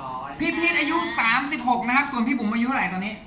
พี่พีทอายุ36นะครับส่วนพี่บุ๋มอายุเท่าไหร่ตอนนี้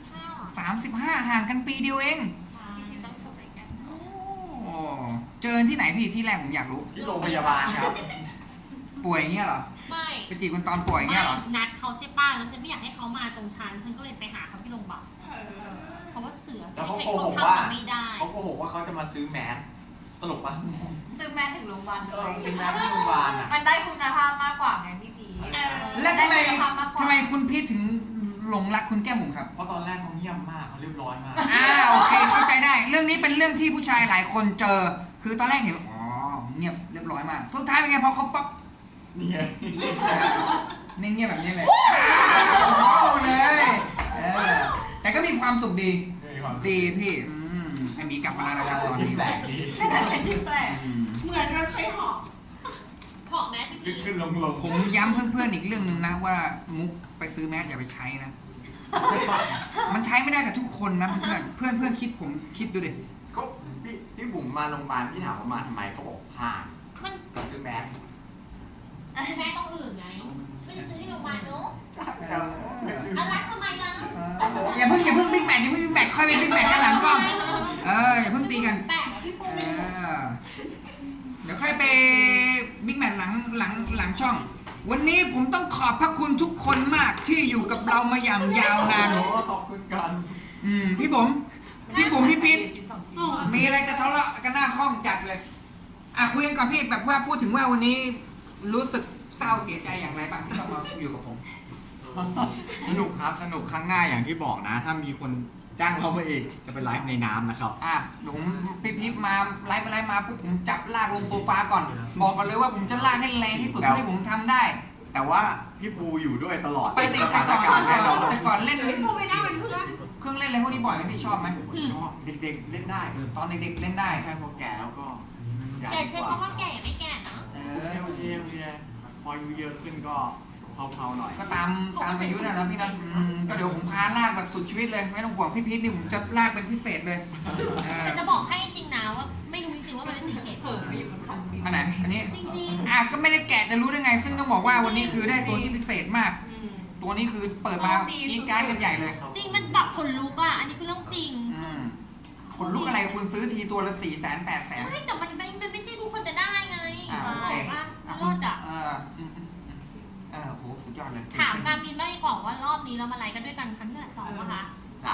35ห่างกันปีเดียวเองพี่ต้องชมรายการโอ้เจอที่ไหนพี่ที่แรกผมอยากรู้ที่โรงพยาบาลครับป่วยอย่างเงี้ยเหรอไม่ไปจีบมันตอนป่วยอย่างเงี้ยเหรอนัดเขาใช่ป่ะแล้วฉันไม่อยากให้เขามาตรงฉันก็เลยไปหาเขาที่โรงพยาบาลเพราะว่าเสือแล้วเขาโกหกว่าเขาโกหกว่าเขาจะมาซื้อแมสตลกปะซื้อแมสถึงโรงพยาบาลเลยซื้อแมสที่โรงพยาบาลอ่ะมันได้คุณภาพมากกว่าไงพี่พีแล้วทำไมคุณพีทถึงหลงรักคุณแก้มบุ๋มครับเพราะตอนแรกเขาเงียบมากเขาเรียบร้อยมากโอเคเข้าใจได้เรื่องนี้เป็นเรื่องที่ผู้ชายหลายคนเจอคือตอนแรกเห็นอ๋อเงียบเรียบร้อยมากสุดท้ายเป็นไงพอเขาป๊อปนี่ไงเงียบแบบนี้เลยเลยแต่ก็มีความสุขดีพี่อันนี้กลับมาแล้วนะครับตอนนี้แปลกดีที่แปลกเหมือนกันใครหอบหอบแมสพี่ขึ้นลงผมย้ำเพื่อนๆอีกเรื่องหนึ่งนะว่ามุกไปซื้อแมสอย่าไปใช้นะมันใช้ไม่ได้กับทุกคนนะเพื่อนคิดผมคิดดูดิก็พี่บุ๋มมาโรงพยาบาลพี่ถามว่ามาทำไมเขาบอกผ่ามันซื้อแมสแมสต้องอื่นไงไม่ได้ซื้อที่โรงพยาบาลเนาะอะไรทำไมล่ะอย่าเพิ่งบิ๊กแมทค่อยไปบิ๊กแมทกันหลังกล้องอย่าเพิ่งตีกันแปลกพี่ปูเดี๋ยวค่อยไปบิ๊กแมทหลังช่องวันนี้ผมต้องขอบพระคุณทุกคนมากที่อยู่กับเรามาอย่างยาวนานขอบคุณกันพี่บุ๋มพี่พีทมีอะไรจะทะเลาะกันหน้าห้องจัดเลยคุยกันก่อนพี่แบบว่าพูดถึงว่าวันนี้รู้สึกเศร้าเสียใจอย่างไรบ้างที่ต้องมาอยู่กับผมสนุกครับสนุกครั้งหน้าอย่างที่บอกนะถ้ามีคนจ้างเรามาอีกจะไปไลฟ์ในน้ำนะครับผมพี่มาไลฟ์มาปุ๊บผมจับลากลงโซฟาก่อนบอกกันเลยว่าผมจะลากให้แรงที่สุดที่ผมทำได้แต่ว่าพี่ปูอยู่ด้วยตลอดไปติดแต่ก่อนเล่นพี่ปูไปนั่งเป็นเพื่อนเครื่องเล่นอะไรพวกนี้บ่อยไหมพี่ชอบไหมชอบเด็กๆเล่นได้ตอนเด็กๆเล่นได้ใช่พอแก่แล้วก็แก่ใช่เพราะว่าแก่ยังไม่แก่นะโอเคพออายุเยอะขึ้นก็เผาๆหน่อยก็ตามอายุนะพี่นะก็เดี๋ยวผมพาลากแบบสุดชีวิตเลยไม่ต้องห่วงพี่พีทนี่ผมจะลากเป็นพิเศษเลยแต่จะบอกให้จริงนะว่าไม่รู้จริงๆว่ามันเป็นสิ่งเหตุผลอันไหนอันนี้จริงก็ไม่ได้แกะจะรู้ได้ไงซึ่งต้องบอกว่าวันนี้คือได้ตัวที่พิเศษมากตัวนี้คือเปิดมากีดการ์ดกันใหญ่เลยจริงมันแบบขนลุกอ่ะอันนี้คือเรื่องจริงขนลุกอะไรคุณซื้อทีตัวละ400,000-800,000 ไม่แต่มันไม่ใช่ทุกคนจะได้ไงว่ารอดอ่ะโหสุดยอดเลยถามการมินบ้างดีกว่าว่ารอบนี้เรามาไลฟ์กันด้วยกันครั้งที่เท่าไหร่2ป่ะคะ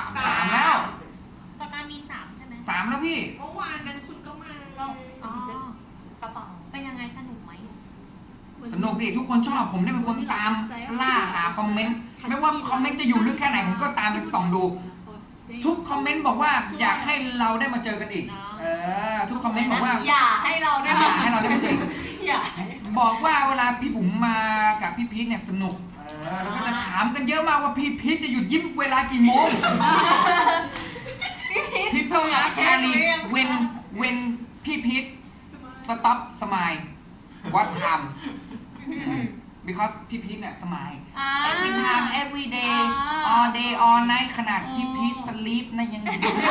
3แล้วกับการมิน3ใช่ไหม 3แล้วพี่เมื่อวานนั้นคุณก็มากระเป๋าเป็นยังไงสนุกไหมสนุกดิทุกคนชอบผมได้เป็นคนตามล่าหาคอมเมนต์ไม่ว่าคอมเมนต์จะอยู่ลึกแค่ไหนผมก็ตามไปส่องดูทุกคอมเมนต์บอกว่าอยากให้เราได้มาเจอกันอีกทุกคอมเมนต์บอกว่าอย่าให้เราได้มาเจอบอกว่าเวลาพี่บุ๋มมากับพี่พีทเนี่ยสนุกแล้วก็จะถามกันเยอะมากว่าพี่พีทจะหยุดยิ้มเวลากี่โมงพี่เพิ่งชาลีเว้นพี่พีทstop smile what time because พี่พีทเนี่ย smile every time every day all day all night ขนาดพี่พีท sleep นะยัง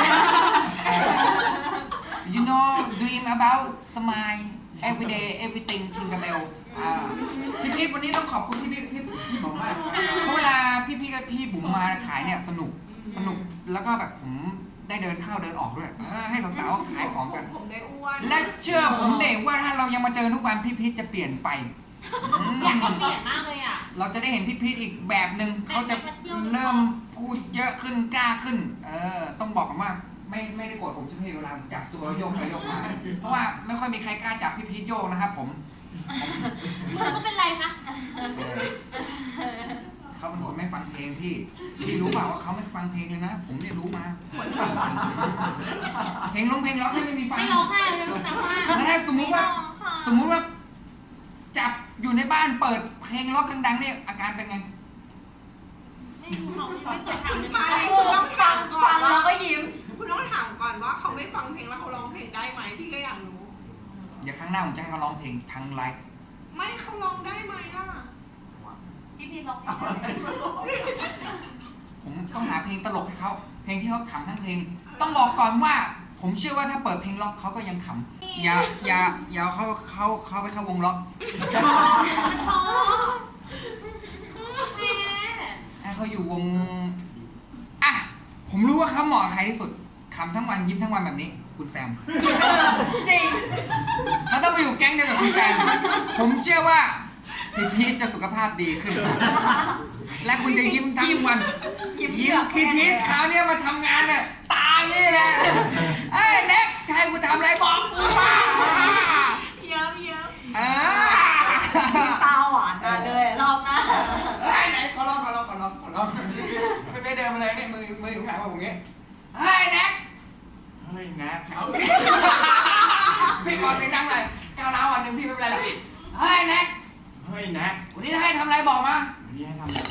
you know dream about smile every day everything ทิงกับเบลพี่พีทวันนี้ต้องขอบคุณพี่บุ๋มมากเพราะเวลาพี่บุ๋มมาขายเนี่ยสนุกแล้วก็แบบผมได้เดินเข้าเดินออกด้วยให้สาวๆขายของกันและเชื่อผมเด็กว่าถ้าเรายังมาเจอทุกวันพี่พีทจะเปลี่ยนไปอยากเปลี่ยนมากเลยอ่ะเราจะได้เห็นพี่พีทอีกแบบหนึ่งเขาจะเริ่มพูดเยอะขึ้นกล้าขึ้นต้องบอกกันว่าไม่ได้โกรธผมใช่ไหมเวลาจับตัวโยกไปโยกมาเพราะว่าไม่ค่อยมีใครกล้าจับพี่พีทโยกนะครับผมเขาเป็นไรคะเขาเป็นคนไม่ฟังเพลงพี่รู้เปล่าว่าเขาไม่ฟังเพลงเลยนะผมเนี่ยรู้มาเพลงร้องไม่มีฟังไม่ร้องไห้เลยลูกนะแล้วถ้าสมมุติว่าจับอยู่ในบ้านเปิดเพลงร็อกดังๆเนี่ยอาการเป็นไงไม่รู้เขาไม่เคยทำใช่คุณต้องฟังก่อนแล้วก็ยิ้มคุณต้องถามก่อนว่าเขาไม่ฟังเพลงแล้วเขาร้องเพลงได้ไหมพี่ก็อยากรู้อย่าครั้งหน้าผมจะให้เขาร้องเพลงทั้งไลฟ์ไม่เขาร้องได้ไหมล่ะพี่พีร้องผมต้องหาเพลงตลกให้เขาเพลงที่เขาขำทั้งเพลงต้องบอกก่อนว่าผมเชื่อว่าถ้าเปิดเพลงล็อกเขาก็ยังขำอย่าเขาไปเข้าวงล็อกผมรู้ว่าเขาเหมาะกับใครที่สุดขำทั้งวันยิ้มทั้งวันแบบนี้ คุณแซมจริงเขาต้องไปอยู่แก๊งเดียวกับคุณแซมผมเชื่อว่าพี่พีทจะสุขภาพดีขึ้น และคุณจะยิ้มทั้งวันยิ้มยิ้มเกืพี่อบพีทคราวเนี้ยมาทำงานเนี่ยตายนี่แหละเอ้ยเน็กใครกูทำอะไรบอกกูมาเยิ้มเยิ้มเออตาหวานมาเลยรอบหน้าเฮ้ยไหนขอร้องไม่เดินมาเลยเนี่ยมืออยู่ข้างหลังผมอย่างเงี้ยเฮ้ยแน็กเฮ้ยแน็กพี่ขอเสียงดังหน่อยก้าวร้าววันหนึ่งพี่ไม่เป็นไรหรอกเฮ้ยแน็กเฮ้ยแน็กวันนี้จะให้ทำอะไรบอกมาวันนี้ให้ทำอะไร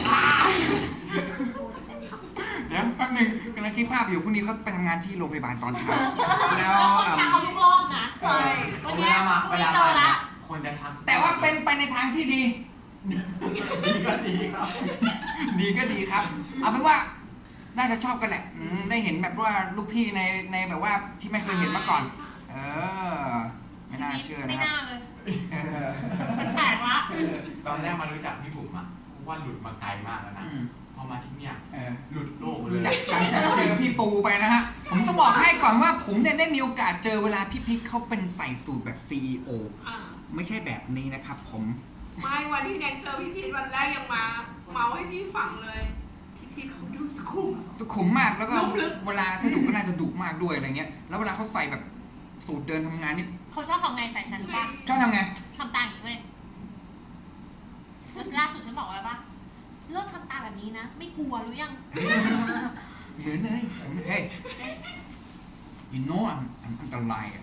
เดี๋ยวแป๊บนึงกำลังคิดภาพอยู่พรุ่งนี้เขาไปทำงานที่โรงพยาบาลตอนเช้าแล้วเราเช้าทุกรอบนะใช่วันเวเนี้ยลามาวันเวนี้ลาเจมาอละคนจะทักแต่ว่าเป็นไปในทางที่ดีดีก็ดีครับดีก็ดีครับ เอาเป็นว่าน่าจะชอบกันแหละได้เห็นแบบว่าลูกพี่ในแบบว่าที่ไม่เคยเห็นมาก่อน เออ ไม่น่าเชื่อไม่นะครับน่าเลยเออมันแปลกละตอนแรกมารู้จักพี่บุ๋มอะว่าหลุดมาไกลมากแล้วนะอืมพอมาที่เนี่ยเออหลุดโลกไปเลรู้ยจักกันแต่เจอพี่ปูไปนะฮะ ผมต้องบอกให้ก่อนว่าผมเนี่ยได้มีโอกาสเจอเวลาพี่พิกเขาเป็นใส่สูตรแบบ CEO อ่ะไม่ใช่แบบนี้นะครับผมไม่วันที่แน็กเจอพี่พีทวันแรกยังมาเมาให้พี่ฟังเลย พี่พีทเขาดูสุขุมสุขุมมากแล้วก็นุ่มลึกเวลาถ้าดุก็น่าจะดุมากด้วยอะไรเงี้ย แล้วเวลาเขาใส่แบบสูตรเดินทำงานนี่เขาชอบทำไงใส่ฉันหรือเปล่าชอบทำไงทำตาอย่างนี้เว้ยแล้วล่าสุดฉันบอกว่าปะเลิกทำตาแบบนี้นะ ไม่กลัวหรือยังเหมือนเลยเฮ้ย you know I'm อันตรายอ่ะ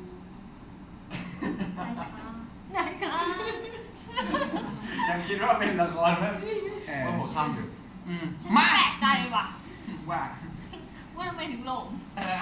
ไหนคะยังคิดว่าเป็นละครไหมเออว่าหัวค่ำอยู่ฉันมาแปลกใจว่ะว่าว่าทำไมถึงหลงเออ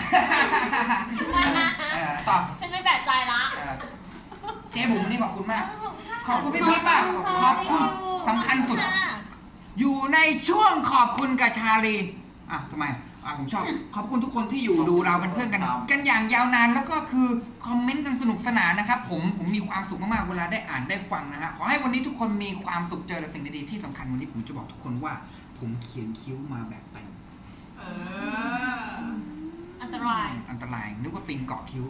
ต่อฉันไม่แปลกใจละเจ๊บุ๋มนี่ขอบคุณมาก ขอบคุณพี่พีทมากขอบคุณสำคัญสุด อยู่ในช่วงขอบคุณกับชาลีทำไมผมชอบ ขอบคุณทุกคนที่อยู่ดูเราเป็นเพื่อนกัน กันอย่างยาวนานแล้วก็คือคอมเมนต์กันสนุกสนานนะครับผมมีความสุขมากๆเวลาได้อ่านได้ฟังนะฮะขอให้วันนี้ทุกคนมีความสุขเจอแต่สิ่งดีๆที่สำคัญวันนี้ผมจะบอกทุกคนว่า ผมเขียนคิ้วมาแบบแต่งเอออันตรายอันตรายนึกว่าปิงเกาะคิ้ว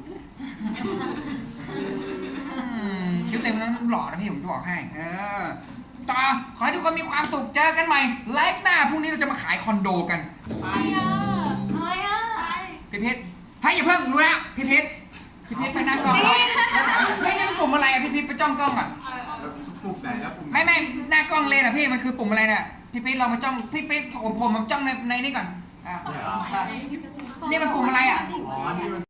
คิ้วเต็มแล้วหล่อนะพี่ผมจะบอกให้ต่อขอให้ทุกคนมีความสุขเจอกันใหม่ไลฟ์หน้าพรุ่งนี้เราจะมาขายคอนโดกันไปอะไรอ่ะพี่เพชรให้อย่าเพิ่งรู้แล้วพี่เพชรไปหน้ากล้องไม่นี่มันปุ่มอะไรอะพี่เพชรไปจ้องกล้องก่อนแล้วปุ่มไหนแล้วปุ่มไม่หน้ากล้องเลยนะพี่มันคือปุ่มอะไรเนี่ยพี่เพชรเรามาจ้องพี่เพชรผมมาจ้องในนี่ก่อนนี่มันปุ่มอะไรอ่ะอ๋อนี่มัน